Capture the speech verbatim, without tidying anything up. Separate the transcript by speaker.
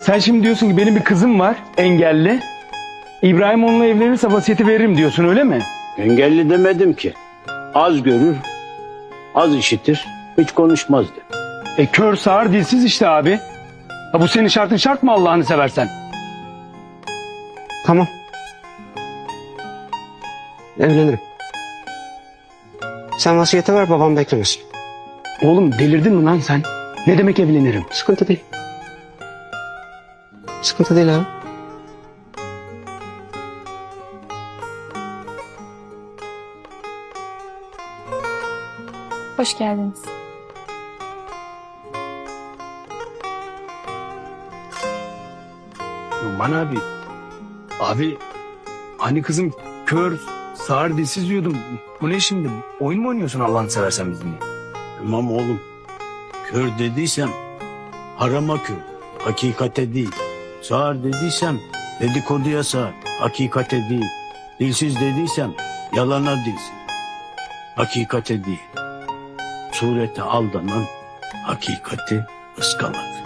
Speaker 1: Sen şimdi diyorsun ki benim bir kızım var engelli. İbrahim onunla evlenirse vasiyeti veririm diyorsun, öyle mi?
Speaker 2: Engelli demedim ki. Az görür, az işitir, hiç konuşmaz dedim.
Speaker 1: E kör sağır dilsiz işte abi. Ha, bu senin şartın şart mı Allah'ını seversen?
Speaker 3: Tamam. Evlenirim. Sen vasiyeti ver, babam beklemesin.
Speaker 1: Oğlum delirdin mi lan sen? Ne demek evlenirim?
Speaker 3: Sıkıntı değil. Sıkıntı değil abi.
Speaker 4: Hoş geldiniz.
Speaker 1: Numan abi. Abi hani kızım kör sağır dilsiz diyordum. Bu ne şimdi? Oyun mu oynuyorsun Allah'ını seversen bizimle?
Speaker 2: Tamam oğlum, kör dediysem harama kör, hakikate değil. Sağır dediysem dedikoduya sağır, hakikate değil. Dilsiz dediysem yalana dilsiz, hakikate değil. Surete aldanan hakikati ıskalar.